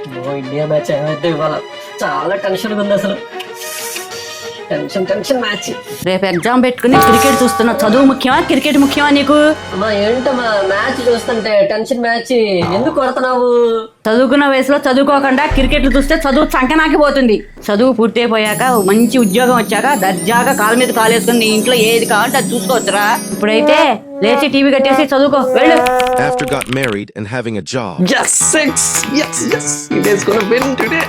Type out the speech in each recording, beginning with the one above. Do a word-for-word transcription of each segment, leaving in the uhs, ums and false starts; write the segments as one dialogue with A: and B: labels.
A: India match ఏమైతే ఇవాళ చాలా టెన్షన్ ఉంది అసలు. Tension tension match.
B: రేపు ఎగ్జామ్ పెట్టుకుని క్రికెట్ చూస్తున్నావు. చదువు ముఖ్యమా క్రికెట్ ముఖ్యమా నీకు?
A: అమ్మా ఏంటమ్మా మ్యాచ్ చూస్తుంటే టెన్షన్ మ్యాచ్ ఎందుకు కొడుతున్నావు?
B: చదువుకున్న వయసులో చదువుకోకుండా క్రికెట్లు చూస్తే చదువు చంకనాకి పోతుంది. చదువు పూర్తయిపోయాక మంచి ఉద్యోగం వచ్చాక దర్జాగా కాలు మీద కాలు వేసుకుని నీ ఇంట్లో ఏది కావాలంటే అది చూసుకోవచ్చురా. ఇప్పుడైతే లేచి టీవీ కట్టేసి చదువుకో వెళ్ళు.
C: After got married and having a job.
D: Yes, six. Yes, yes. It is gonna win today.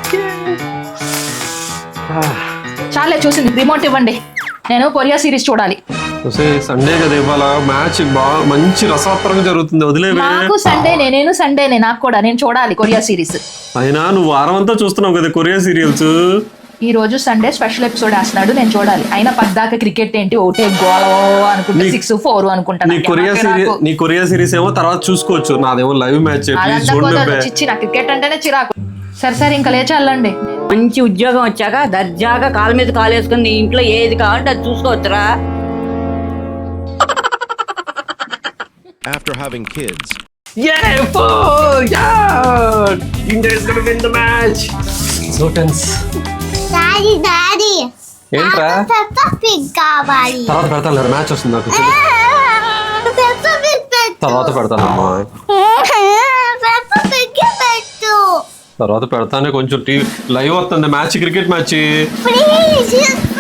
E: చాలే చూసింది, రిమోట్ ఇవ్వండి. నేను కొరియా సిరీస్ చూడాలి.
D: సండే కదా ఇవాళ మ్యాచ్ బాగా మంచి రసాత్మకంగా జరుగుతుంది. వదిలేవే.
E: నాకు సండేనే, నేను సండేనే, నాకు కూడా నేను చూడాలి కొరియా సిరీస్.
D: అయినా నువ్వు వారం అంతా చూస్తున్నావు కదా కొరియా సీరియల్స్.
E: ఈ రోజు సండే స్పెషల్ ఎపిసోడ్ వేస్తున్నాడు, నేను చూడాలి. అయినా పద్దాక క్రికెట్ ఏంటి ఒకటే గోల అనుకుంటా, సిక్స్ ఫోర్ అనుకుంటా.
D: నీ కొరియా సిరీస్ నీ కొరియా సిరీస్ ఏమో తర్వాత చూసుకోవచ్చు. నాదేమో లైవ్ మ్యాచ్.
E: చిచ్చి నా క్రికెట్ అంటేనే చిరాకు. సరే సరే ఇంకా లేచి వెళ్ళండి.
B: మంచి ఉద్యోగం వచ్చాక దర్జాగా కాలు మీద కాలు వేసుకుని నీ ఇంట్లో ఏది కావాలంటే అది చూసుకోవచ్చురా.
C: After having kids.
D: Yeah, four! Yeah! India is gonna win the match.
A: So tense.
F: Daddy daddy
D: ఏంట్రా?
F: పెప్పా పిగ్ కావాలి.
D: తర్వాత పెడతాను, మ్యాచ్ వస్తుంది నాకు.
F: పెప్పా పిగ్ పెట్టు.
D: తర్వాత పెడతానమ్మా.
F: పెప్పా పిగ్ పెట్టు.
D: తర్వాత పెడతానే. కొంచెం టీవీ లైవ్ వస్తుంది మ్యాచ్, క్రికెట్ మ్యాచ్.
F: ప్లీజ్.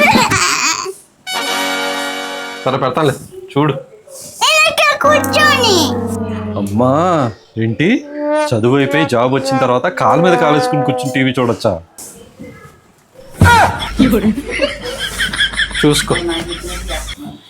D: సరే పెడతానులే చూడు.
F: ఇలా కూర్చోని.
D: అమ్మా ఏంటి చదువు అయిపోయి జాబ్ వచ్చిన తర్వాత కాలు మీద కాలు వేసుకుని కూర్చుని టీవీ చూడొచ్చా? చూసుకో.